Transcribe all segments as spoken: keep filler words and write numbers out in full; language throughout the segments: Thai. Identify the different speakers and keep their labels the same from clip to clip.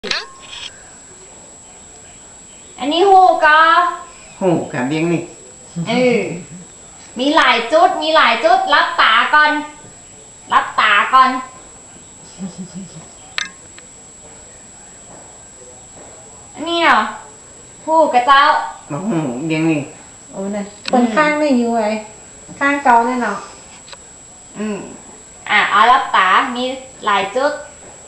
Speaker 1: อันนี้หูก็
Speaker 2: หูกับเบี้ยงนี่
Speaker 1: เออมีหลายจุดมีหลายจุดรับตาก่อนรับตาก่อนอันนี้เหรอหูกระเจ้า
Speaker 2: มาหูเบี้ยงนี่
Speaker 3: โอ้เนี่ยเปิดข้างนี่อยู่ไว้ข้างเกาเนี่ยเนาะ
Speaker 1: อืมอ่ะเอารับตามีหลายจุด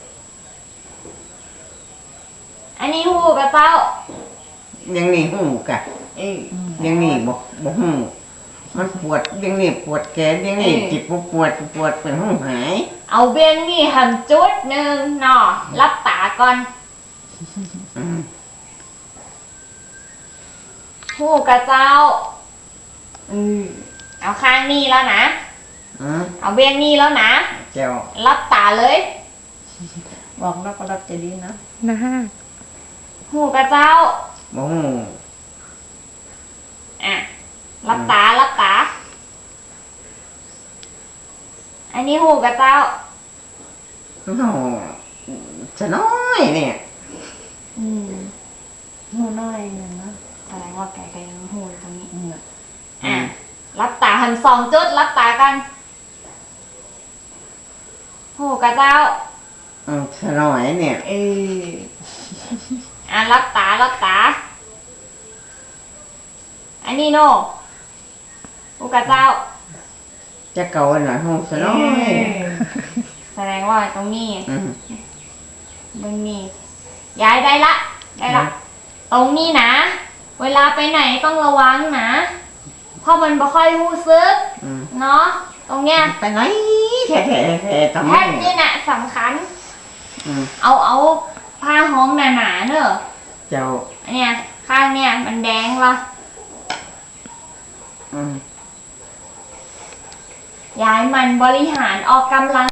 Speaker 1: อันนี้หูกระเจ้า
Speaker 2: เบี้ยงนี่หูกะ
Speaker 1: เออ
Speaker 2: เบี้ยงนี่บอกบอกหูมันปวดเบี้ยงนี่ปวดแขนเบี้ยงนี่จิตปวดปวดเป็นหูหาย
Speaker 1: เอาเบี้ยงนี่ทำจุดหนึ่งเนาะรับตาก่อนหูกระเจ้าอืมเอาข้างนี้แล้วนะเอาเบี้ยงนี่แล้วนะ
Speaker 2: เจ้า
Speaker 1: รับตาเลย
Speaker 3: บอกรับก็รับจะดีนะ
Speaker 4: นะฮะ
Speaker 1: หูกระเจ้า
Speaker 2: บอกหู
Speaker 1: อ่ะรับตารับตาอันนี้หูกระเจ้า
Speaker 2: โอ้จะน้อยเนี่ย
Speaker 1: อืม
Speaker 3: หูน้อยนึงนะ
Speaker 1: แสดงว่าไก่ไก่ยังหูตรงนี้อ่ะรับตาหันสองจุดรับตากันหูกระเจ้า
Speaker 2: อืมจะน้อยเนี่ย
Speaker 1: เอออ่ะรับตารับตาอันนี้โน่หูกระเจ้า
Speaker 2: จะเก่าหน่อยหูจะน้อย
Speaker 1: แสดงว่าตรงนี้มึงนี่ย้ายได้ละได้ละตรงนี้นะเวลาไปไหนต้องระวังนะเพราะมันไม่ค่อยรู้สึกเนาะตรงเนี้ย
Speaker 2: ไปไหนแค่แค่แค่ทำไม
Speaker 1: แค่นี้น่ะสำคัญเอาเอาผ้าห้องหนาๆเนอะ
Speaker 2: เจ้า
Speaker 1: อันเนี้ยข้างเนี้ยมันแดงละย้ายมันบริหารออกกำลัง